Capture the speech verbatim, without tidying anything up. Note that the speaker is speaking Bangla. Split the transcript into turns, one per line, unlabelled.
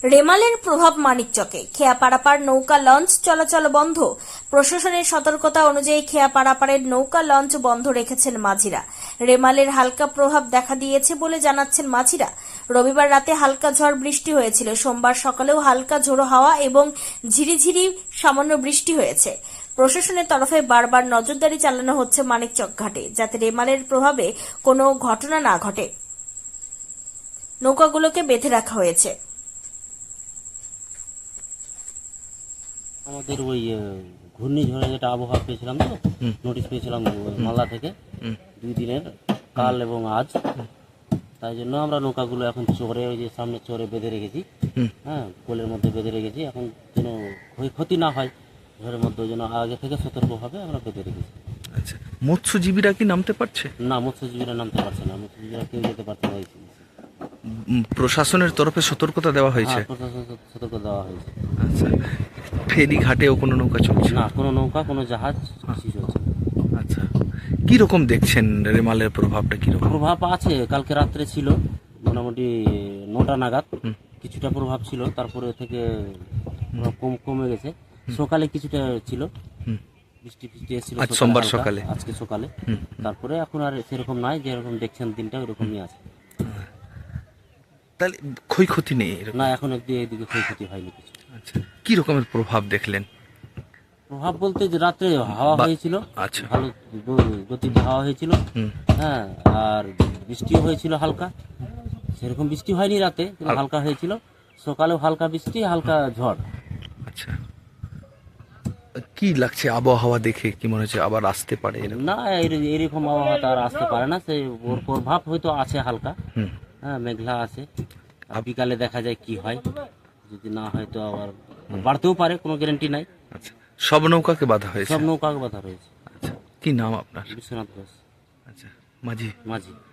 রেমালের প্রভাব মানিকচকে, খেয়া পারাপার নৌকা লঞ্চ চলাচল বন্ধ। প্রশাসনের সতর্কতা অনুযায়ী খেয়া পারাপারের নৌকা লঞ্চ বন্ধ রেখেছেন মাঝিরা। রেমালের হালকা প্রভাব দেখা দিয়েছে বলে জানাচ্ছেন মাঝিরা। রবিবার রাতে হালকা ঝড় বৃষ্টি হয়েছিল, সোমবার সকালেও হালকা ঝোড়ো হাওয়া এবং ঝিরিঝিরি সামান্য বৃষ্টি হয়েছে। প্রশাসনের তরফে বারবার নজরদারি চালানো হচ্ছে মানিকচক ঘাটে, যাতে রেমালের প্রভাবে কোনো ঘটনা না ঘটে। নৌকাগুলোকে বেঁধে রাখা হয়েছে।
আমাদের ওই ঘূর্ণিঝড়ে যেটা আবহাওয়া পেয়েছিলাম, তো নোটিশ পেয়েছিলাম মালদা থেকে দুই দিনের, কাল এবং আজ। তাই জন্য আমরা নৌকাগুলো এখন চোরে, ওই যে সামনে চোরে বেঁধে রেখেছি। হ্যাঁ, কোলের মধ্যে বেঁধে রেখেছি, এখন যেন ক্ষয়ক্ষতি না হয় ঝড়ের মধ্যে, যেন আগে থেকে সতর্কভাবে আমরা বেঁধে রেখেছি।
আচ্ছা, মৎস্যজীবীরা কি নামতে পারছে?
না, মৎস্যজীবীরা নামতে পারছে না, মৎস্যজীবীরা কেউ যেতে পারছে না।
উম, প্রশাসনের তরফে সতর্কতা দেওয়া হয়েছে?
হ্যাঁ, প্রশাসন সতর্ক দেওয়া হয়েছে।
আচ্ছা, ফেরি ঘাটেও কোনো নৌকা চলছে
না, কোনো নৌকা, কোনো জাহাজ কিছু চলছে না।
আচ্ছা, কি রকম দেখছেন রেমালের প্রভাবটা? কি রকম
প্রভাব আছে? কালকে রাত্রে ছিল মোটামুটি নটা নাগাদ কিছুটা প্রভাব ছিল, তারপরে থেকে প্রভাব কম কমে গেছে। সকালে কিছুটা ছিল, বৃষ্টি ফিষ্টি এসেছিল
আজ সোমবার
হালকা,
সকালে?
আজকে সকালে। তারপরে এখন আর সেরকম নাই, যেরকম দেখছেন দিনটা ওরকমই আছে।
তাহলে ক্ষয়ক্ষতি নেই এরকম?
না, এখন অব্দি এইদিকে ক্ষয়ক্ষতি হয়নি কিছু।
আচ্ছা, কি রকমের প্রভাব দেখলেন?
প্রভাব বলতে যে রাত্রে হাওয়া
বা-
হয়েছিল,
আচ্ছা।
ভালো গ- গতিতে হাওয়া হয়েছিল।
হুম।
হ্যাঁ, আর বৃষ্টিও হয়েছিল হালকা, সেরকম বৃষ্টি হয়নি রাতে, কিন্তু
হাল-
হালকা হয়েছিল। সকালেও হালকা বৃষ্টি, হালকা ঝড়।
আচ্ছা, কি লাগছে আবহাওয়া দেখে? কি মনে হচ্ছে আবার আসতে পারে এরকম?
না, এর- এরকম আবহাওয়া তো আর আসতে পারে না, সে ওর প্রভাব হয়তো আছে হালকা।
হুম।
হ্যাঁ, মেঘলা আছে, আর বিকালে দেখা যায় কি হয়। যদি না হয় তো আবার বাড়তেও পারে, কোনো গ্যারান্টি নাই।
আচ্ছা, সব নৌকাকে বাধা হয়েছে?
সব নৌকা বাধা রয়েছে।
আচ্ছা, কি নাম আপনার?
বিশ্বনাথ ঘোষ,
আচ্ছা, মাঝি।
মাঝি।